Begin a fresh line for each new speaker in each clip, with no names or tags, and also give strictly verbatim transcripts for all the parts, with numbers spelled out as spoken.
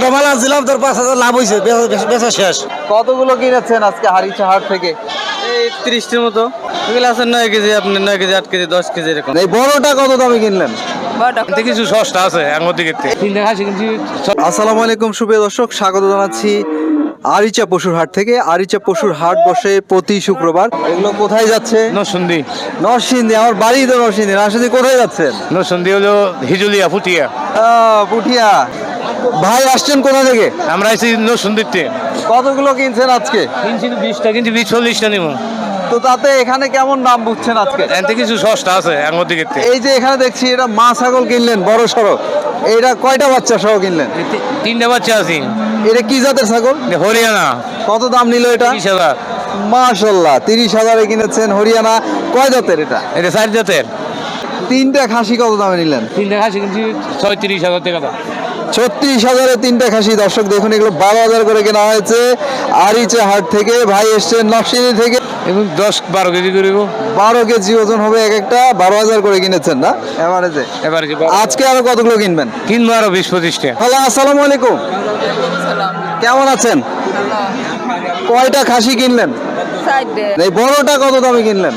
এগারোটা মাল আনছিলাম, তোর পাঁচ হাজার লাভ হয়েছে, বেচা শেষ।
কতগুলো কিনেছেন আজকে হারিচা হাট থেকে?
এই ত্রিশটির মতো। এগুলো আছে নয় কেজি, আপনি নয় কেজি, আট কেজি, দশ কেজি এরকম।
এই বড়টা কত দামে কিনলেন?
কিছু সস্তা আছে আমার দিকে।
আসসালামু আলাইকুম সুপ্রিয় দর্শক, স্বাগত জানাচ্ছি আরিচা পশুর হাট থেকে। আরিচা পশুর হাট বসে প্রতি শুক্রবার। এগুলো কোথায় যাচ্ছে?
নরসিংদী।
নরসিংদী, আমার বাড়ি তো নরসিংদী। নরসিংদী কোথায় যাচ্ছেন?
নরসিংদী হলো হিজুলিয়া, ফুটিয়া।
আহ, পুঠিয়া। ভাই আসছেন কোথা থেকে?
আমরা আছি নরসিংদীতে।
কতগুলো কিনছেন আজকে?
কিনছি বিশটা, কিনছি বিশ চল্লিশটা নিব।
তো তাতে এখানে কেমন দাম বুঝছেন আজকে?
এতে কিছু সস্তা আছে আমার দিকে।
এই যে এখানে দেখছি এটা মা ছাগল কিনলেন বড় সড়ো, এইটা কয়টা বাচ্চা সহ কিনলেন?
তিনটা বাচ্চা আছে।
এটা কি জাতের ছাগল?
হরিয়ানা।
কত দাম নিল এটা?
তিরিশ হাজার।
মাশাল্লাহ, তিরিশ হাজারে কিনেছেন। হরিয়ানা। কয় জাতের এটা?
এটা চার জাতের।
তিনটা খাসি কত দামে নিলেন?
তিনটা খাসি কিনছি ছয়ত্রিশ হাজার টাকা দাম।
ছত্রিশ হাজারে তিনটা খাসি। দর্শক দেখুন, এগুলো বারো হাজার করে কেনা হয়েছে আরিচা হাট থেকে। ভাই এসছেন নরসিংদী থেকে।
এবং দশ বারো কেজি করিব।
বারো কেজি ওজন হবে এক একটা। বারো হাজার করে কিনেছেন না এভারেজে?
এবার
আজকে আরো কতগুলো কিনবেন?
কিনবো আরো বিশ পঁচিশটা।
হ্যালো, আসসালামু আলাইকুম। কেমন আছেন? কয়টা খাসি কিনলেন? এই বড়টা কত দামে কিনলেন?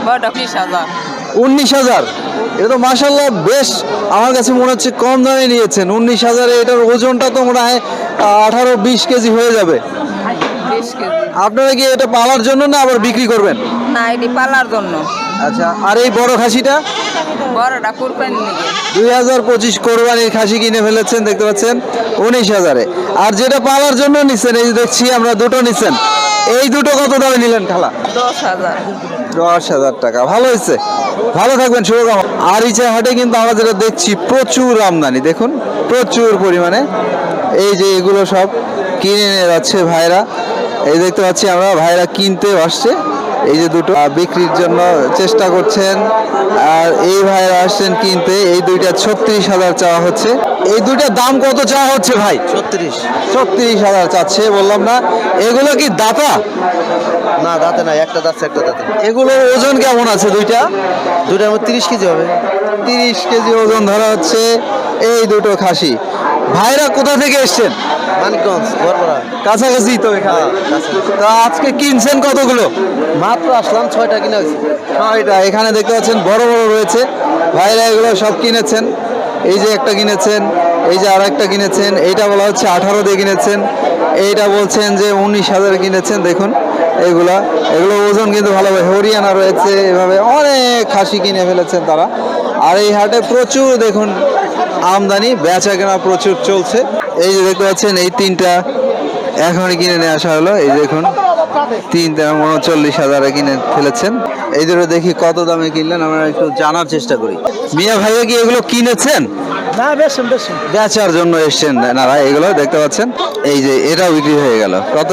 উনিশ হাজার। এটা তো মাশাল্লাহ বেশ, আমার কাছে মনে হচ্ছে কম দামে নিয়েছেন। উনিশ হাজারে এটার ওজনটা তো মনে হয় আঠারো বিশ কেজি হয়ে যাবে। আপনারা কি এটা পালার জন্য না আবার বিক্রি করবেন?
না, এটি পালার জন্য।
আচ্ছা, আর এই বড় খাসিটা?
বড়টা কুরবানি নাকি?
দুই হাজার পঁচিশ কোরবানির খাসি কিনে ফেলেছেন, দেখতে পাচ্ছেন উনিশ হাজারে। আর যেটা পালার জন্য নিচ্ছেন, এই যে দেখছি আমরা দুটো নিচ্ছেন, এই দুটো কত দামে নিলেন খালা?
দশ হাজার।
দশ হাজার টাকা। ভালো হয়েছে, ভালো থাকবেন, শুভকামনা। আরিচা হাটে কিন্তু আমরা যেটা দেখছি প্রচুর আমদানি, দেখুন প্রচুর পরিমাণে। এই যে এগুলো সব কিনে নিয়ে যাচ্ছে ভাইরা, এই দেখতে পাচ্ছি আমরা ভাইরা কিনতে আসছে। এই যে দুটো বিক্রির জন্য চেষ্টা করছেন, আর এই ভাইরা আসছেন কিনতে। এই দুইটা ছত্রিশ হাজার চাওয়া হচ্ছে। এই দুইটার দাম কত চাওয়া হচ্ছে ভাই?
ছত্রিশ।
ছত্রিশ হাজার চাচ্ছে, বললাম না। এগুলো কি দাতা?
না, দাঁতে নাই, একটা দাঁত একটা দাঁতে।
এগুলোর ওজন কেমন আছে দুইটা?
দুইটার মধ্যে তিরিশ কেজি হবে।
তিরিশ কেজি ওজন ধরা হচ্ছে এই দুটো খাসি। ভাইরা কোথা থেকে এসছেন?
মানিকগঞ্জ, বরবরা।
কাছাকাছি তো এখানে। তা আজকে কিনছেন কতগুলো?
মাত্র আসলাম, ছয়টা কিনে হয়েছে।
ছয়টা। এখানে দেখতে পাচ্ছেন বড় বড় রয়েছে। ভাইরা এগুলো সব কিনেছেন। এই যে একটা কিনেছেন, এই যে আর একটা কিনেছেন। এইটা বলা হচ্ছে আঠারো দিয়ে কিনেছেন, এইটা বলছেন যে উনিশ হাজারে কিনেছেন। দেখুন এগুলা, এগুলো ওজন কিন্তু ভালোভাবে। হরিয়ানা রয়েছে, এভাবে অনেক খাসি কিনে ফেলেছেন তারা। আর এই হাটে প্রচুর দেখুন আমদানি, বেচা কেনা প্রচুর চলছে। এই যে দেখতে পাচ্ছেন এই তিনটা এখনই কিনে নিয়ে আসা হলো। এই দেখুন তিনটা উনচল্লিশ হাজারে কিনে ফেলেছেন। এই দুটো দেখি কত দামে কিনলেন, আমরা একটু জানার চেষ্টা করি। মিয়া ভাইয়া কি এগুলো কিনেছেন?
না, বেশন বেশন।
বেচার জন্য এসছেন নারা। এগুলো দেখতে পাচ্ছেন, এই যে এটাও বিক্রি হয়ে গেল। কত?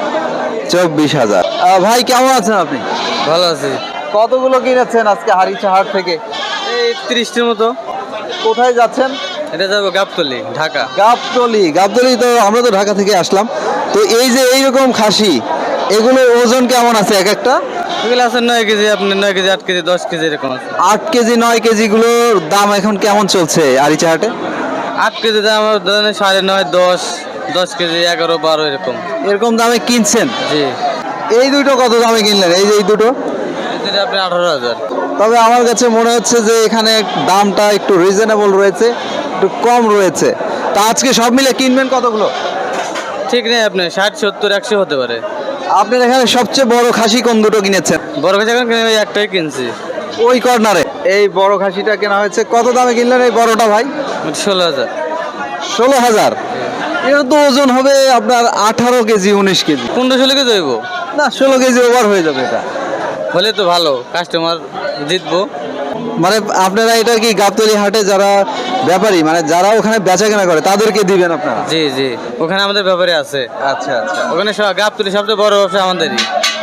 চব্বিশ হাজার। ভাই কেমন আছেন আপনি?
ভালো আছে।
কতগুলো কিনেছেন আজকে হারিচা হাট থেকে?
এই ত্রিশটির মতো।
কোথায় যাচ্ছেন?
এটা যাবো গাবতলি, ঢাকা।
গাবতলি। গাবতলি তো আমরা তো ঢাকা থেকে আসলাম। তো এই যে এইরকম খাসি, এগুলোর ওজন কেমন আছে এক একটা?
এগুলো আছে নয় কেজি, আপনি নয় কেজি, আট কেজি, দশ কেজি এরকম আছে।
আট কেজি নয় কেজি গুলোর দাম এখন কেমন চলছে আরিচা হাটে?
আট কেজি দাম ধরেন সাড়ে নয়, দশ, দশ কেজি এগারো, বারো এরকম।
এরকম দামে কিনছেন?
জি।
এই দুটো কত দামে কিনলেন? এই যে এই দুটো?
এটা আপনি আঠারো হাজার।
তবে আমার কাছে মনে হচ্ছে যে এখানে দামটা একটু রিজনেবল রয়েছে, একটু কম রয়েছে। তা আজকে সব মিলে কিনবেন কতগুলো?
ঠিক নেই, আপনি ষাট সত্তর একশো হতে পারে।
আপনার এখানে সবচেয়ে বড় খাসি কোন দুটো কিনেছেন?
বড় কাছে এখন কিনে ওই একটাই কিনছি।
ওই কর্নারে এই বড় খাসিটা কেনা হয়েছে। কত দামে কিনলেন এই বড়টা ভাই?
ষোলো হাজার।
ষোলো হাজার। এটা তো ওজন হবে আপনার আঠারো কেজি উনিশ কেজি।
পনেরো ষোলো কেজি হইব
না, ষোলো কেজি ওভার হয়ে যাবে এটা।
হলে তো ভালো, কাস্টমার জিতবো।
মানে আপনারা এটা কি গাবতলী হাটে যারা ব্যাপারী, মানে যারা ওখানে বেচা কেনা করে তাদেরকে দিবেন আপনারা?
জি জি, ওখানে আমাদের ব্যাপারে আছে।
আচ্ছা আচ্ছা।
ওখানে গাবতলী সবচেয়ে বড় ব্যবসা আমাদেরই।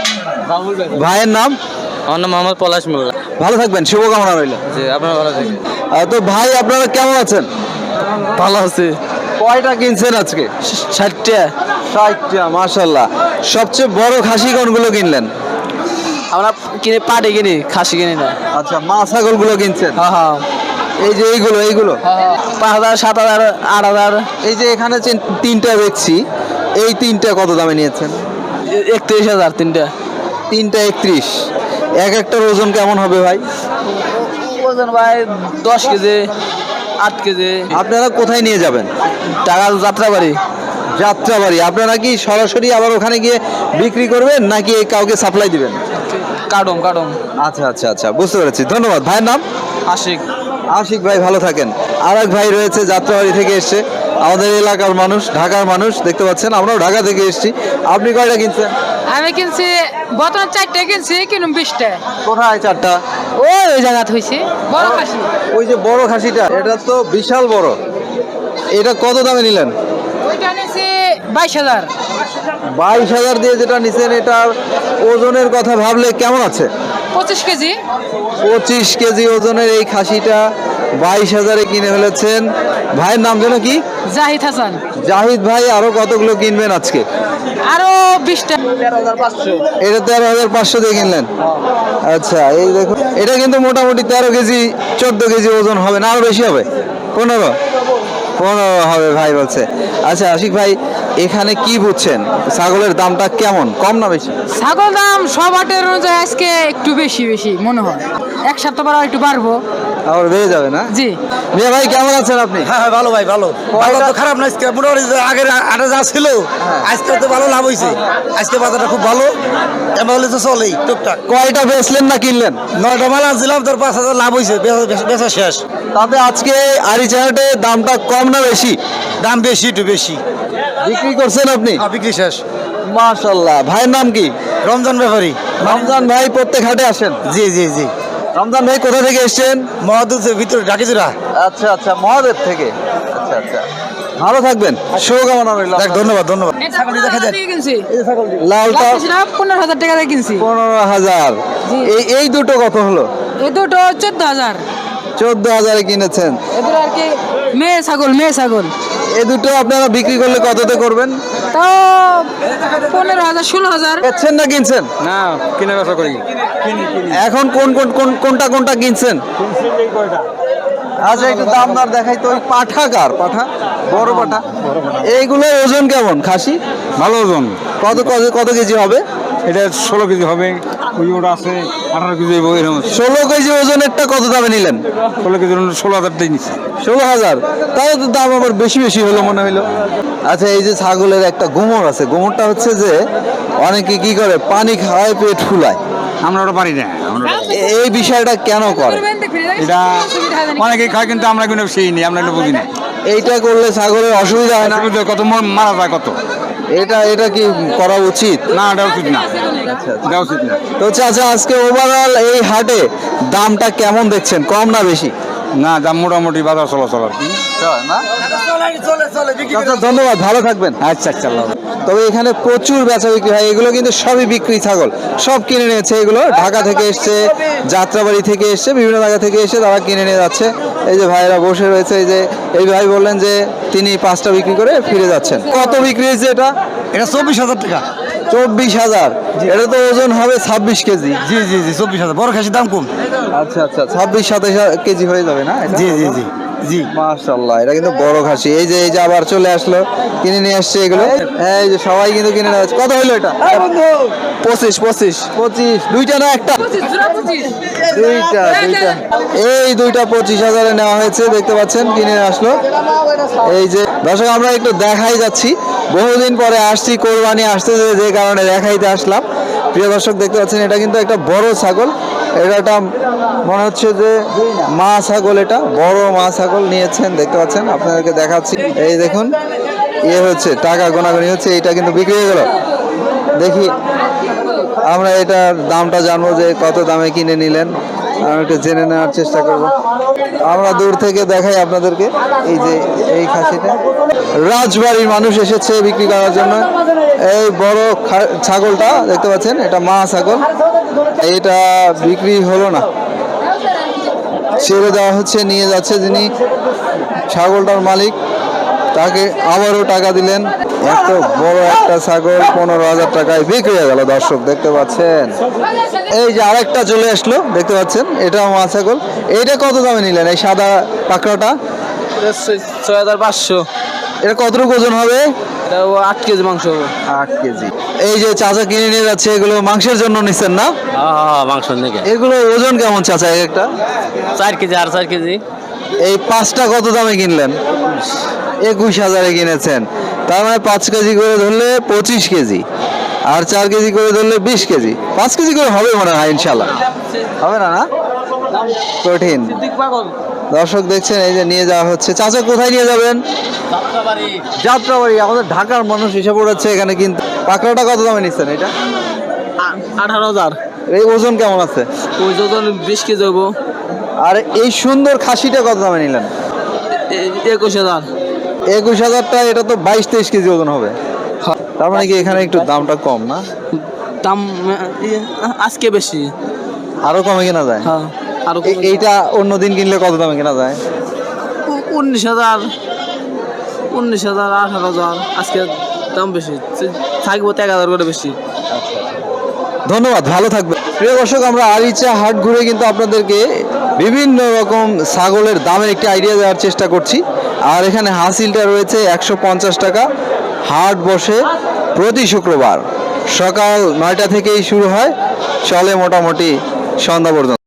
ভাইয়ের নাম?
আমার নাম মোহাম্মদ পলাশ মোল্লা।
ভালো থাকবেন, শুভকামনা রইল।
জি, আপনার ভালো থাকবেন।
তো ভাই আপনারা কেমন আছেন?
ভালো আছে।
কয়টা কিনছেন আজকে?
ষাটটা।
ষাটটা, মাশাল্লাহ। সবচেয়ে বড় খাসি কোনগুলো কিনলেন?
আমরা কিনে পাটে কিনি, খাসি কিনি না।
আচ্ছা, মা ছাগল গুলো কিনছেন?
হ্যাঁ হ্যাঁ।
এই যে এইগুলো এইগুলো
পাঁচ হাজার সাত হাজার আট হাজার
এই যে এখানে যে তিনটা দেখছি, এই তিনটা কত দামে নিয়েছেন?
একত্রিশ হাজার তিনটা।
তিনটা একত্রিশ। এক একটার ওজন কেমন হবে ভাই?
ওজন ভাই দশ কেজি আট কেজি।
আপনারা কোথায় নিয়ে যাবেন?
টাকা যাত্রাবাড়ি।
যাত্রাবাড়ি। আপনারা কি সরাসরি আবার ওখানে গিয়ে বিক্রি করবেন নাকি কাউকে সাপ্লাই দিবেন?
কাটম কাটম।
আচ্ছা আচ্ছা আচ্ছা, বুঝতে পেরেছি। ধন্যবাদ। ভাইয়ের নাম?
আশিক।
আশিক ভাই, ভালো থাকেন। আর এক ভাই রয়েছে যাত্রাবাড়ি থেকে এসছে, আমাদের এলাকার মানুষ, ঢাকার মানুষ, দেখতে পাচ্ছেন আমরাও ঢাকা থেকে এসেছি। আপনি কয়টা কিনছেন?
আমি কিনছি বর্তমান চারটে কিনছি কিনুম বিশটা।
কোথায় চারটা?
ওই ওই জায়গাত হয়েছে বড় খাসি।
ওই যে বড় খাসিটা, এটা তো বিশাল বড়। এটা কত দামে নিলেন?
ওইটা নিয়েছি বাইশ হাজার।
বাইশ হাজার দিয়ে যেটা নিছেন, এটার ওজনের কথা ভাবলে কেমন আছে?
পঁচিশ কেজি।
পঁচিশ কেজি ওজনের এই খাসিটা বাইশ হাজারে কিনে ফেলেছেন। ভাইয়ের নাম যেন কি?
জাহিদ হাসান।
জাহিদ ভাই, আরো কতগুলো কিনবেন আজকে?
আরো বিশটা।
এটা তেরো হাজার পাঁচশো দিয়ে কিনলেন। আচ্ছা, এই দেখুন, এটা কিন্তু মোটামুটি তেরো কেজি চোদ্দ কেজি ওজন হবে না, আরো বেশি হবে? পনেরো পনেরো হবে ভাই বলছে। আচ্ছা আশিক ভাই, এখানে কি বুঝছেন, ছাগলের দামটা কেমন, কম না বেশি?
ছাগল দাম সব হাটের অনুযায়ী আজকে একটু বেশি বেশি মনে হয়, এক সপ্তাহ পর একটু বাড়বো।
আবার বেড়ে যাবে না?
জি।
মিয়া ভাই, কেমন আছেন আপনি?
হ্যাঁ হ্যাঁ ভালো ভাই ভালো। ভালো তো খারাপ না, আজকে মোটামুটি আগের আটে যা ছিল আজকে তো ভালো লাভ হয়েছে। আজকে বাজারটা খুব ভালো, এবার হলে তো চলেই টুকটাক।
কয়টা বেচলেন না কিনলেন?
নয়টা মাল আনছিলাম, তোর পাঁচ হাজার লাভ হয়েছে, বেচা- বেচা শেষ।
তাতে আজকে আরিচাহাটে দামটা কম না বেশি?
দাম বেশি একটু বেশি।
বিক্রি করছেন আপনি?
হ্যাঁ, বিক্রি শেষ।
মাশাআল্লাহ। ভাইয়ের নাম কি?
রমজান ব্যাপারী।
রমজান ভাই প্রত্যেক হাটে আসেন?
জি জি জি।
রমজান ভাই কোথা থেকে এসেছেন?
মহাদুধের ভিতরে ডাকিজুরা।
আচ্ছা আচ্ছা, মহাদেব থেকে। আচ্ছা আচ্ছা, ভালো থাকবেন, শুভকামনা রইল।
দেখ, ধন্যবাদ ধন্যবাদ।
ছাগল দেখা যায় কিনছি
লালটা
পনেরো হাজার টাকা দিয়ে কিনছি।
পনেরো হাজার। এই এই দুটো কত হলো?
এই দুটো চোদ্দ হাজার।
চোদ্দ হাজারে কিনেছেন।
এদের আর কি মেয়ে ছাগল মেয়ে ছাগল।
এই দুটো আপনারা বিক্রি করলে কততে করবেন?
তাও পনেরো হাজার ষোলো হাজার।
বেচছেন না কিনছেন?
না, কিনে ব্যবসা করি।
এখন কোন কোন কোন কোনটা কোনটা কিনছেন? আচ্ছা, একটু দাম দর দেখাই তো। ওই পাঠা কার? পাঠা, বড় পাঠা। এইগুলো ওজন কেমন খাসি?
ভালো ওজন।
কত কত কত কেজি হবে?
এটা ষোলো কেজি হবে, ওই ওটা আছে আঠারো কেজি হবে, এরকম
ষোলো কেজি ওজনেরটা কত দামে নিলেন?
ষোলো কেজি ষোলো হাজার দিয়ে নিচ্ছে।
ষোলো হাজার। তাহলে তো দাম আবার বেশি বেশি হলো মনে হইলো। আচ্ছা, এই যে ছাগলের একটা গোমর আছে, গোমরটা হচ্ছে যে অনেকে কি করে, পানি খাওয়ায় পেট ফুলায়।
আমরা ওটা পারি না। আমরা
এ- এই বিষয়টা কেন করে?
এটা অনেকে খায়, কিন্তু আমরা কিন্তু সেই নেই, আমরা এটা বুঝি না।
এইটা করলে ছাগলের অসুবিধা হয় না?
কত মর- মারা যায় কত।
এটা এটা কি করা উচিত?
না, এটা উচিত না, এটা উচিত না।
তো চাচা, আজকে ওভারঅল এই হাটে দামটা কেমন দেখছেন, কম না বেশি?
না, দাম মোটামুটি বাজার চলাচল আর কি।
চাচা, ধন্যবাদ, ভালো থাকবেন।
আচ্ছা আচ্ছা, আল্লাহ হাফেজ।
তবে এখানে প্রচুর বেচা বিক্রি হয়। এগুলো কিন্তু সবই বিক্রি ছাগল, সব কিনে নিয়েছে। এগুলো ঢাকা থেকে এসছে, যাত্রাবাড়ি থেকে এসছে, বিভিন্ন জায়গা থেকে এসে তারা কিনে নিয়ে যাচ্ছে। এই যে ভাইরা বসে রয়েছে, এই যে এই ভাই বললেন যে তিনি পাঁচটা বিক্রি করে ফিরে যাচ্ছেন। কত বিক্রি হয়েছে এটা?
এটা চব্বিশ হাজার টাকা।
চব্বিশ হাজার। এটা তো ওজন হবে ছাব্বিশ কেজি।
জি জি জি, চব্বিশ হাজার। বড় খাসির দাম কম।
আচ্ছা আচ্ছা, ছাব্বিশ সাতাশ কেজি হয়ে যাবে না এটা?
জি জি জি জি।
মাশাআল্লাহ, এটা কিন্তু বড় খাসি। এই যে এই যে আবার চলে আসলো, কিনে নিয়ে আসছে এগুলো। এই যে সবাই কিন্তু কিনে নিয়ে আসছে। কত হলো এটা? পঁচিশ পঁচিশ পঁচিশ। দুইটা না একটা? দুইটা দুইটা। এই দুইটা পঁচিশ হাজারে নেওয়া হয়েছে, দেখতে পাচ্ছেন, কিনে নিয়ে আসলো। এই যে দর্শক, আমরা একটু দেখাই যাচ্ছি, বহুদিন পরে আসছি, কোরবানি আসতে যে যে কারণে দেখাইতে আসলাম। প্রিয় দর্শক, দেখতে পাচ্ছেন, এটা কিন্তু একটা বড় ছাগল। এটা একটা মনে হচ্ছে যে মা ছাগল, এটা বড় মা ছাগল নিয়েছেন, দেখতে পাচ্ছেন, আপনাদেরকে দেখাচ্ছি। এই দেখুন, ইয়ে হচ্ছে, টাকা গোনাগুনি হচ্ছে, এটা কিন্তু বিক্রি হয়ে গেল। দেখি আমরা এটার দামটা জানবো, যে কত দামে কিনে নিলেন, আমরা একটু জেনে নেওয়ার চেষ্টা করব। আমরা দূর থেকে দেখাই আপনাদেরকে। এই যে এই খাসিটা, রাজবাড়ির মানুষ এসেছে বিক্রি করার জন্য। এই বড় খা- ছাগলটা দেখতে পাচ্ছেন, এটা মা ছাগল। এটা বিক্রি হলো না, ছেড়ে দেওয়া হচ্ছে, নিয়ে যাচ্ছে যিনি ছাগলটার মালিক। তাকে আবারও টাকা দিলেন। এত বড় একটা ছাগল পনেরো হাজার টাকায় বিক্রি হয়ে গেল। দর্শক দেখতে পাচ্ছেন, এই যে আরেকটা চলে আসলো, দেখতে পাচ্ছেন, এটাও মা ছাগল। এইটা কত দামে নিলেন এই সাদা পাকড়াটা?
ছয় হাজার পাঁচশো।
এটা কতটুকু ওজন হবে?
এটা আট কেজি মাংস হবে।
আট কেজি। এই যে চাচা কিনে নিয়ে যাচ্ছে, এগুলো মাংসের জন্য নিচ্ছেন না?
হ্যাঁ হ্যাঁ মাংস নাকি
এগুলো ওজন কেমন চাচা এক একটা?
চার কেজি আর চার কেজি।
এই পাঁচটা কত দামে কিনলেন? একুশ হাজারে কিনেছেন। তার মানে পাঁচ কেজি করে ধরলে পঁচিশ কেজি, আর চার কেজি করে ধরলে বিশ কেজি। পাঁচ কেজি করে হবে মনে হয়, ইনশাল্লাহ হবে না? না কঠিন। দর্শক দেখছেন, এই যে নিয়ে যাওয়া হচ্ছে। চাচা কোথায় নিয়ে যাবেন? যাত্রাবাড়ি। আমাদের ঢাকার মানুষ এসে পড়েছে এখানে। কিন্তু পাকড়াটা কত দামে নিচ্ছেন এটা?
আঠারো হাজার।
এই ওজন কেমন আছে?
ওই ওজন বিশ কেজি হবো।
আর এই সুন্দর খাসিটা কত দামে নিলেন?
একুশ হাজার।
একুশ হাজারটা, এটা তো বাইশ তেইশ কেজি ওজন হবে। তার মানে কি এখানে একটু দামটা কম না?
দাম আজকে বেশি।
আরো কমে কেনা যায়?
হ্যাঁ আরো
এ- এইটা অন্য দিন কিনলে কত দামে কেনা যায়?
উনিশ হাজার, উনিশ হাজার, আঠারো হাজার। আজকে দাম বেশি, থাকবো এক হাজার করে বেশি।
ধন্যবাদ, ভালো থাকবে। প্রিয় দর্শক, আমরা আরিচা হাট ঘুরে কিন্তু আপনাদেরকে বিভিন্ন রকম ছাগলের দামের একটি আইডিয়া দেওয়ার চেষ্টা করছি। আর এখানে হাসিলটা রয়েছে একশো পঞ্চাশ টাকা। হাট বসে প্রতি শুক্রবার সকাল নয়টা থেকেই শুরু হয়, চলে মোটামুটি সন্ধ্যা পর্যন্ত।